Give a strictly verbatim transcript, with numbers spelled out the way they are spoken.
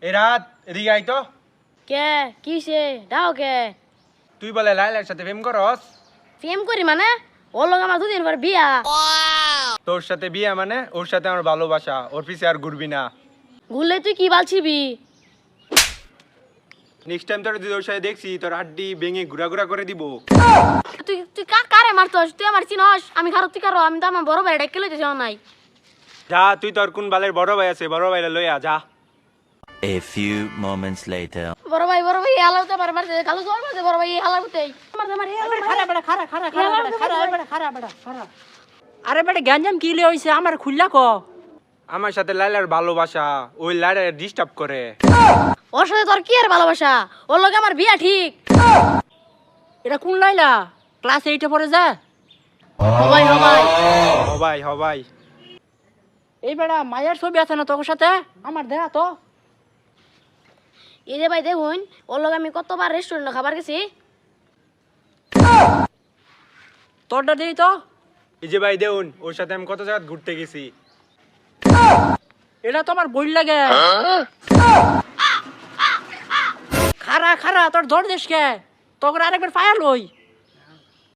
এই রাত এদিকে আই তো। কে কিসে দাও কে তুই বলে লাইলার সাথে প্রেম করস? প্রেম করি মানে ওর লগে আমার দুদিন পর বিয়া। তোর সাথে বিয়ে মানে ওর সাথে আমার ভালোবাসা, ওর পিছে আর ঘুরবি না। ঘুরলে তুই কি বালছিবি? নেক্সট টাইম তোর যদি ওর সাথে দেখছি তোর হাড্ডি ভেঙে ঘুরা ঘুরা করে দিব। তুই তুই কা কারে মারতস? তুই আমার চিনস? আমি খারো তুই কারো, আমি তো আমার বড় ভাই ডেকে লইতেছি নাই। যা তুই তোর কোন বালের বড় ভাই আছে বড় ভাইলা লইয়া যা। A few moments later. বড় ভাই বড় ভাই হালাতে পারে মারতে কালো জোর মারতে বড় ভাই হালাতে মারতে মারে খারা বেড়া খারা খারা খারা বেড়া খারা বেড়া খারা বেড়া খারা আরে বেটা গ্যাঞ্জাম কি লিয়ে হইছে আমার খুললা ক আমার সাথে লাইলার ভালোবাসা, ওই লাইলার ডিস্টার্ব করে। ওর সাথে তোর কি আর ভালোবাসা? ওর লগে আমার বিয়া ঠিক। এটা কোন লাইলা ক্লাস এইটে পড়ে যা হবাই হবাই হবাই হবাই। এই বেড়া মায়ের ছবি আছে না তোর সাথে আমার দেখা তো এই যে ভাই দেখুন ওর লগে আমি কতবার রেস্টুরেন্টে খাবার গেছি। তোরটা দেই তো এই যে ভাই দেউন ওর সাথে আমি কত জায়গা ঘুরতে গেছি। এটা তো আমার বই লাগে খারা খারা তোর ধর দেশকে তোর আরেকবার ফায়ার লই